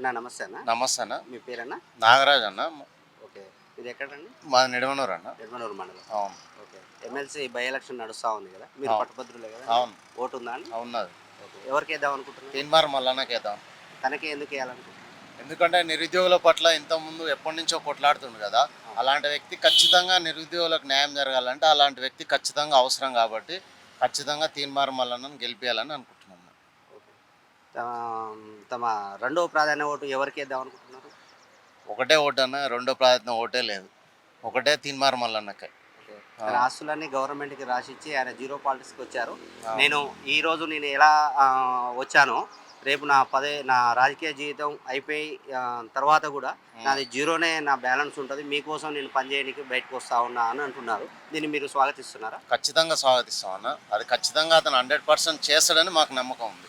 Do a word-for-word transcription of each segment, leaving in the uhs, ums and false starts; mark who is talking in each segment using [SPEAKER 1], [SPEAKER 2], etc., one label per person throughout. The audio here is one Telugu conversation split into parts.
[SPEAKER 1] అన్న నమస్తే అన్న.
[SPEAKER 2] నమస్తే అన్న.
[SPEAKER 1] మీ పేరన్నా?
[SPEAKER 2] నాగరాజ్ అన్న.
[SPEAKER 1] ఓకే. ఇది ఎక్కడండి?
[SPEAKER 2] మాది నిడమనూరు అన్న.
[SPEAKER 1] నిడమనూరు మండలం.
[SPEAKER 2] అవును.
[SPEAKER 1] ఓకే. ఎమ్మెల్సీ బై ఎలక్షన్ నడుస్తూ ఉంది కదా, మీరు
[SPEAKER 2] అవును.
[SPEAKER 1] పట్టుభద్రులే కదా?
[SPEAKER 2] అవును.
[SPEAKER 1] ఓటు ఉందా అండి?
[SPEAKER 2] ఉన్నది.
[SPEAKER 1] ఓకే. ఎవరికి వేద్దాం అనుకుంటున్నారు?
[SPEAKER 2] తీన్మార్ మల్లన్నకి వేద్దాం.
[SPEAKER 1] తనకే ఎందుకు వేయాలనుకుంటున్నారు?
[SPEAKER 2] ఎందుకంటే నిరుద్యోగుల పట్ల ఇంతకుముందు ఎప్పటి నుంచో కొట్లాడుతుంది కదా, అలాంటి వ్యక్తి ఖచ్చితంగా నిరుద్యోగులకు న్యాయం జరగాలంటే అలాంటి వ్యక్తి ఖచ్చితంగా అవసరం కాబట్టి ఖచ్చితంగా తీన్మార్ మల్లన్నను గెలిపించాలని అనుకుంటున్నాను.
[SPEAKER 1] ఓకే. తమ తమ రెండవ ప్రాధాన్య ఓటు ఎవరికి వేద్దాం అనుకుంటున్నారు?
[SPEAKER 2] ఒకటే ఓటు అన్న, రెండో ప్రయత్నం ఓటే లేదు. ఒకటే తీన్మార్ మల్లన్నకే.
[SPEAKER 1] ఓకే. తన ఆస్తులన్నీ గవర్నమెంట్కి రాసిచ్చి ఆయన జీరో పాలిటిక్స్కి వచ్చారు.
[SPEAKER 2] ఆ.
[SPEAKER 1] నేను ఈరోజు నేను ఎలా ఆ, వచ్చానో రేపు నా పదే నా రాజకీయ జీవితం అయిపోయి ఆ, తర్వాత కూడా నాది జీరోనే నా బ్యాలెన్స్ ఉంటుంది, మీకోసం నేను పనిచేయడానికి బయటకు వస్తా ఉన్నా అని అంటున్నారు. దీన్ని మీరు స్వాగతిస్తున్నారా?
[SPEAKER 2] ఖచ్చితంగా స్వాగతిస్తాం అన్న. అది ఖచ్చితంగా అతను హండ్రెడ్ పర్సెంట్ చేస్తాడని మాకు నమ్మకం ఉంది.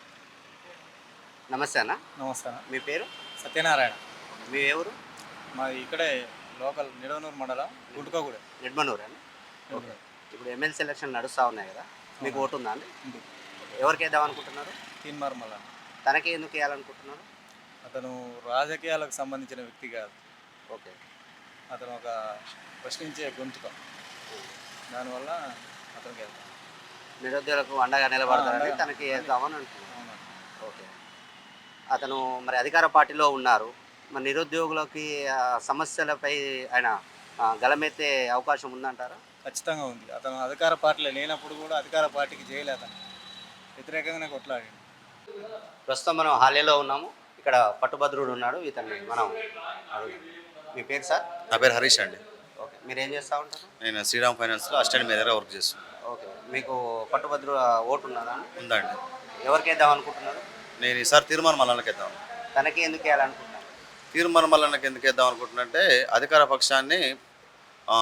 [SPEAKER 1] నమస్తే అన్న.
[SPEAKER 3] నమస్తే అన్న.
[SPEAKER 1] మీ పేరు?
[SPEAKER 3] సత్యనారాయణ.
[SPEAKER 1] మీ ఎవరు?
[SPEAKER 3] మాది ఇక్కడే లోకల్ నిడవనూరు మండలం గుంటుకోగూడెం.
[SPEAKER 1] నిడ్మనూరు అండి. ఓకే. ఇప్పుడు ఎమ్మెల్సీ ఎలక్షన్ నడుస్తూ ఉన్నాయి కదా, మీకు ఓటు ఉందా అండి?
[SPEAKER 3] ఉంది.
[SPEAKER 1] ఎవరికి వేద్దాం అనుకుంటున్నారు?
[SPEAKER 3] తీన్మార్ మల్లన్న.
[SPEAKER 1] తనకి ఎందుకు వేయాలనుకుంటున్నారు?
[SPEAKER 3] అతను రాజకీయాలకు సంబంధించిన వ్యక్తి కాదు.
[SPEAKER 1] ఓకే.
[SPEAKER 3] అతను ఒక ప్రశ్నించే గొంతుక. దానివల్ల అతనికి వెళ్తాం.
[SPEAKER 1] నిరుద్యోగులకు అండగా నిలబడతారని
[SPEAKER 3] అండగా.
[SPEAKER 1] తనకి వేద్దామని అంటున్నారు.
[SPEAKER 3] అవునా.
[SPEAKER 1] ఓకే. అతను మరి అధికార పార్టీలో ఉన్నారు, మరి నిరుద్యోగులకి ఆ, సమస్యలపై ఆయన ఆ, గలమెత్తే అవకాశం ఉందంటారా?
[SPEAKER 3] ఖచ్చితంగా ఉంది. అతను అధికార పార్టీలో లేనప్పుడు కూడా అధికార పార్టీకి చేయలే, అతను వ్యతిరేకంగానే కొట్లాడాడు.
[SPEAKER 1] ప్రస్తుతం మనం హాలేలో ఉన్నాము. ఇక్కడ పట్టుభద్రుడు ఉన్నాడు, ఇతన్ని మనం అడుగుదాం. మీ పేరు సార్?
[SPEAKER 4] నా పేరు హరీష్ అండి.
[SPEAKER 1] ఓకే. మీరు ఏం చేస్తూ ఉంటారు?
[SPEAKER 4] నేను శ్రీరామ్ ఫైనాన్స్లో అసిస్టెంట్ మేనేజర్గా వర్క్ చేస్తున్నాను.
[SPEAKER 1] ఓకే. మీకు పట్టుభద్రుడు ఓటు ఉన్నదా?
[SPEAKER 4] ఉందండి.
[SPEAKER 1] ఎవరికి వేద్దాం అనుకుంటున్నారు?
[SPEAKER 4] నేను ఈసారి తీర్మానం మల్లన్నకి వేద్దాం.
[SPEAKER 1] తనకి ఎందుకు వేయాలనుకుంటున్నారు?
[SPEAKER 4] తీర్మానం మల్లన్నకి ఎందుకు వేద్దాం అనుకుంటున్నంటే అధికార పక్షాన్ని ఆ,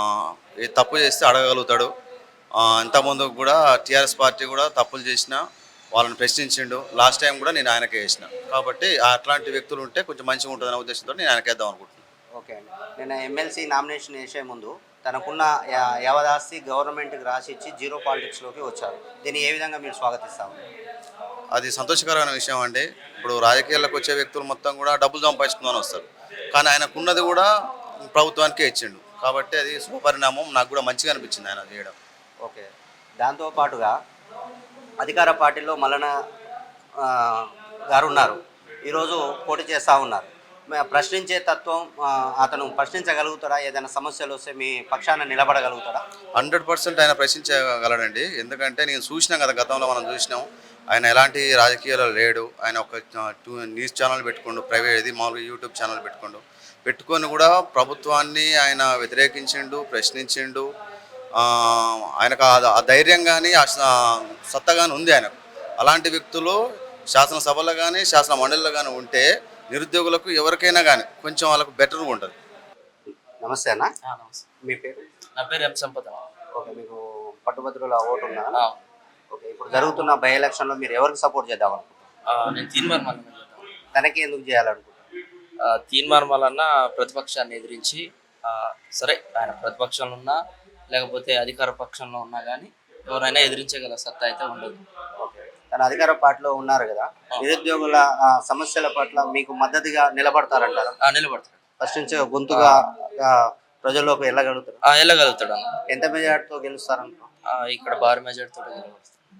[SPEAKER 4] ఈ తప్పు చేస్తే అడగగలుగుతాడు. ఆ, ఇంతకుముందు కూడా టీఆర్ఎస్ పార్టీ కూడా తప్పులు చేసిన వాళ్ళని ప్రశ్నించిండు. లాస్ట్ టైం కూడా నేను ఆయనకే వేసిన, కాబట్టి అట్లాంటి వ్యక్తులు ఉంటే కొంచెం మంచిగా ఉంటుందనే ఉద్దేశంతో నేను ఆయనకి వేద్దాం అనుకుంటున్నాను.
[SPEAKER 1] ఓకే అండి. నేను ఎమ్మెల్సీ నామినేషన్ వేసే ముందు తనకున్న యా- యావదాస్తి గవర్నమెంట్కి రాసి ఇచ్చి జీరో పాలిటిక్స్లోకి వచ్చారు. దీన్ని ఏ విధంగా మీరు స్వాగతిస్తాము?
[SPEAKER 4] అది సంతోషకరమైన విషయం అండి. ఇప్పుడు రాజకీయాల్లోకి వచ్చే వ్యక్తులు మొత్తం కూడా డబ్బులు సంపాదించుకుందని వస్తారు, కానీ ఆయనకున్నది కూడా ప్రభుత్వానికే ఇచ్చిండు, కాబట్టి అది శుభపరిణామం. నాకు కూడా మంచిగా అనిపించింది ఆయన చేయడం.
[SPEAKER 1] ఓకే. దాంతోపాటుగా అధికార పార్టీలో మల్లన ఆ, గారు ఉన్నారు, ఈరోజు పోటీ చేస్తూ ఉన్నారు. మ- ప్రశ్నించే తత్వం ఆ, అతను ప్రశ్నించగలుగుతాడా? ఏదైనా సమస్యలు వస్తే మీ పక్షాన నిలబడగలుగుతాడా?
[SPEAKER 4] హండ్రెడ్ పర్సెంట్ ఆయన ప్రశ్నించగలడండి. ఎందుకంటే నేను చూసినాం కదా, గతంలో మనం చూసినాం ఆయన ఎలాంటి రాజకీయాల్లో లేడు. ఆయన ఒక టూ న్యూస్ ఛానల్ పెట్టుకోండు, ప్రైవేట్ ఇది మామూలుగా యూట్యూబ్ ఛానల్ పెట్టుకోండు, పెట్టుకొని కూడా ప్రభుత్వాన్ని ఆయన వ్యతిరేకించిండు, ప్రశ్నించిండు. ఆ, ఆయనకు ఆ- ఆ ధైర్యం కానీ ఆ సత్తా కానీ ఉంది ఆయనకు. అలాంటి వ్యక్తులు శాసనసభలో కానీ శాసన మండలిలో కానీ ఉంటే నిరుద్యోగులకు ఎవరికైనా కానీ కొంచెం వాళ్ళకు బెటర్గా ఉంటుంది.
[SPEAKER 1] నమస్తే అన్న.
[SPEAKER 5] నమస్తే.
[SPEAKER 1] మీ పేరు?
[SPEAKER 5] నా పేరు ఎం సంపద.
[SPEAKER 1] ఓకే. మీకు పట్టుభద్రుల ఓటు ఉందా? ఓకే. ఇప్పుడు జరుగుతున్న బై ఎలక్షన్లో మీరు ఎవరికి సపోర్ట్ చేద్దాం అనుకుంటున్నారు?
[SPEAKER 5] నేను తీన్మార్ మల్లన్న చేద్దాం.
[SPEAKER 1] తనకి ఎందుకు చేయాలనుకుంటున్నారు?
[SPEAKER 5] తీన్మార్ మల్లన్న ప్రతిపక్షాన్ని ఎదిరించి ఆ, సరే ఆయన ప్రతిపక్షంలో ఉన్నా లేకపోతే అధికార పక్షంలో ఉన్నా కానీ ఎవరైనా ఎదిరించగల సత్తా అయితే ఉండదు.
[SPEAKER 1] ఓకే. తన అధికార పార్టీలో ఉన్నారు కదా, నిరుద్యోగుల ఆ, సమస్యల పట్ల మీకు మద్దతుగా నిలబడతారంటారా?
[SPEAKER 5] ఆ, నిలబడతాడు.
[SPEAKER 1] ఫస్ట్ నుంచి గొంతుగా ఆ, ప్రజల్లోకి వెళ్ళగలుగుతారు.
[SPEAKER 5] ఆ, వెళ్ళగలుగుతాడు అన్న.
[SPEAKER 1] ఎంత మెజార్టీతో గెలుస్తారనుకో?
[SPEAKER 5] ఆ, ఇక్కడ భారీ మెజార్టీతో గెలవస్తాడు.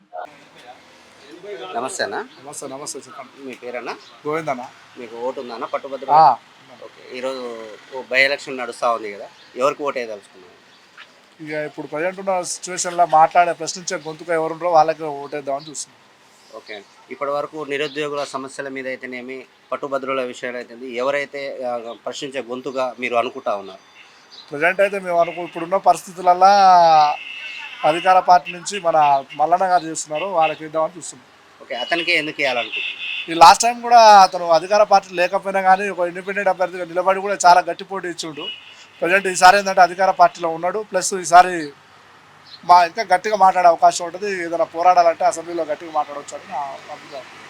[SPEAKER 1] నమస్తే అన్న.
[SPEAKER 3] నమస్తే. నమస్తే. చెప్పండి.
[SPEAKER 1] మీ పేరన్నా?
[SPEAKER 3] గోవిందన్న.
[SPEAKER 1] మీకు ఓటు ఉందన్న పట్టుభద్ర? ఓకే. ఈరోజు బై ఎలక్షన్ నడుస్తూ ఉంది కదా, ఎవరికి ఓటు వేయదలుచుకున్నారు?
[SPEAKER 6] ఇక ఇప్పుడు ప్రజెంట్ ఉన్న సిచ్యువేషన్లో మాట్లాడే ప్రశ్నించే గొంతుక ఎవరుంటారో వాళ్ళకి ఓటేద్దామని చూస్తున్నాం.
[SPEAKER 1] ఓకే. ఇప్పటి వరకు నిరుద్యోగుల సమస్యల మీద అయితేనేమి, పట్టుభద్రుల విషయాలు అయితే ఎవరైతే ఆ, ప్రశ్నించే గొంతుగా మీరు అనుకుంటా ఉన్నారు?
[SPEAKER 6] ప్రజెంట్ అయితే మేము అనుకో ఇప్పుడున్న పరిస్థితులల్లో అధికార పార్టీ నుంచి మన మల్లన్న గారు చేస్తున్నారు, వాళ్ళకి ఇద్దామని చూస్తున్నాం.
[SPEAKER 1] ఓకే. అతనికి ఎందుకు వేయాలనుకుంటున్నారు?
[SPEAKER 6] ఈ లాస్ట్ టైం కూడా అతను అధికార పార్టీ లేకపోయినా కానీ ఒక ఇండిపెండెంట్ అభ్యర్థిగా నిలబడి కూడా చాలా గట్టి పోటీ ఇచ్చిండు. ప్రజెంట్ ఈసారి ఏంటంటే అధికార పార్టీలో ఉన్నాడు, ప్లస్ ఈసారి మా ఇంకా గట్టిగా మాట్లాడే అవకాశం ఉంటుంది. ఏదైనా పోరాడాలంటే అసెంబ్లీలో గట్టిగా మాట్లాడవచ్చు అని నా అభిప్రాయం.